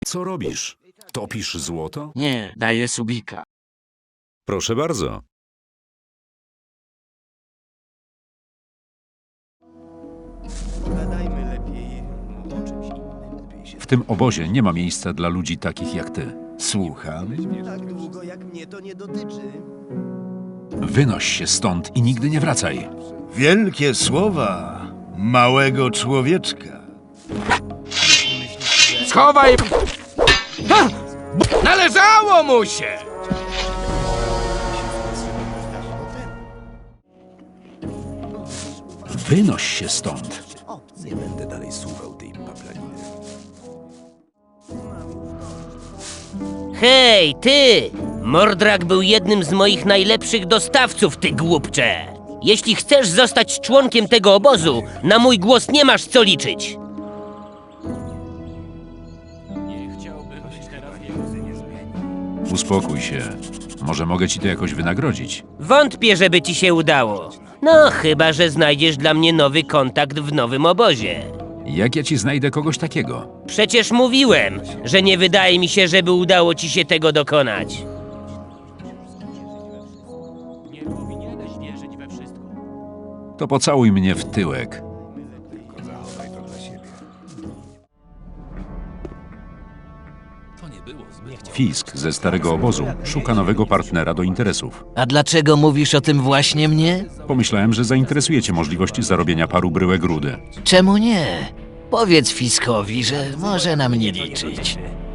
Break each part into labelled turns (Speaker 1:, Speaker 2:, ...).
Speaker 1: Co robisz? Topisz złoto?
Speaker 2: Nie, daję subika.
Speaker 1: Proszę bardzo.
Speaker 3: Pogadajmy lepiej o czymś innym.
Speaker 1: W tym obozie nie ma miejsca dla ludzi takich jak ty.
Speaker 4: Słucham.
Speaker 3: Tak długo jak mnie to nie dotyczy.
Speaker 1: Wynoś się stąd i nigdy nie wracaj.
Speaker 4: Wielkie słowa małego człowieczka.
Speaker 2: Schowaj! Ha! Należało mu się!
Speaker 1: Wynoś się stąd.
Speaker 4: Nie będę dalej słuchał tej paplaniny.
Speaker 5: Hej, ty! Mordrak był jednym z moich najlepszych dostawców, ty głupcze! Jeśli chcesz zostać członkiem tego obozu, na mój głos nie masz co liczyć!
Speaker 1: Uspokój się. Może mogę ci to jakoś wynagrodzić.
Speaker 5: Wątpię, żeby ci się udało. No, chyba że znajdziesz dla mnie nowy kontakt w nowym obozie.
Speaker 1: Jak ja ci znajdę kogoś takiego?
Speaker 5: Przecież mówiłem, że nie wydaje mi się, żeby udało ci się tego dokonać.
Speaker 1: To pocałuj mnie w tyłek. Fisk ze starego obozu szuka nowego partnera do interesów.
Speaker 6: A dlaczego mówisz o tym właśnie mnie?
Speaker 1: Pomyślałem, że zainteresuje cię możliwość zarobienia paru bryłek rudy.
Speaker 6: Czemu nie? Powiedz Fiskowi, że może na mnie liczyć.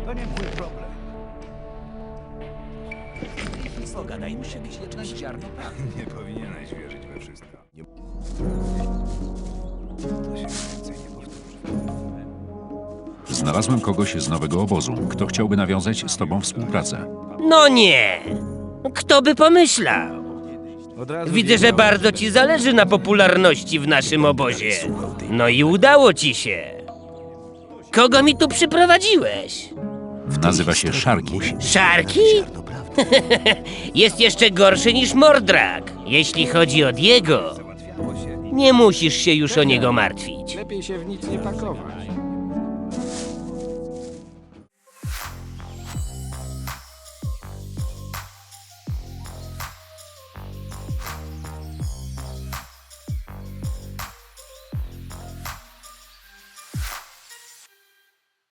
Speaker 4: Nie powinieneś wierzyć we wszystko.
Speaker 1: Znalazłem kogoś z nowego obozu, kto chciałby nawiązać z tobą współpracę.
Speaker 5: No nie! Kto by pomyślał? Widzę, że bardzo ci zależy na popularności w naszym obozie. No i udało ci się. Kogo mi tu przyprowadziłeś?
Speaker 1: Nazywa się Szarki.
Speaker 5: Szarki? Jest jeszcze gorszy niż Mordrak. Jeśli chodzi o Diego, nie musisz się już o niego martwić.
Speaker 2: Lepiej się w nic nie pakować.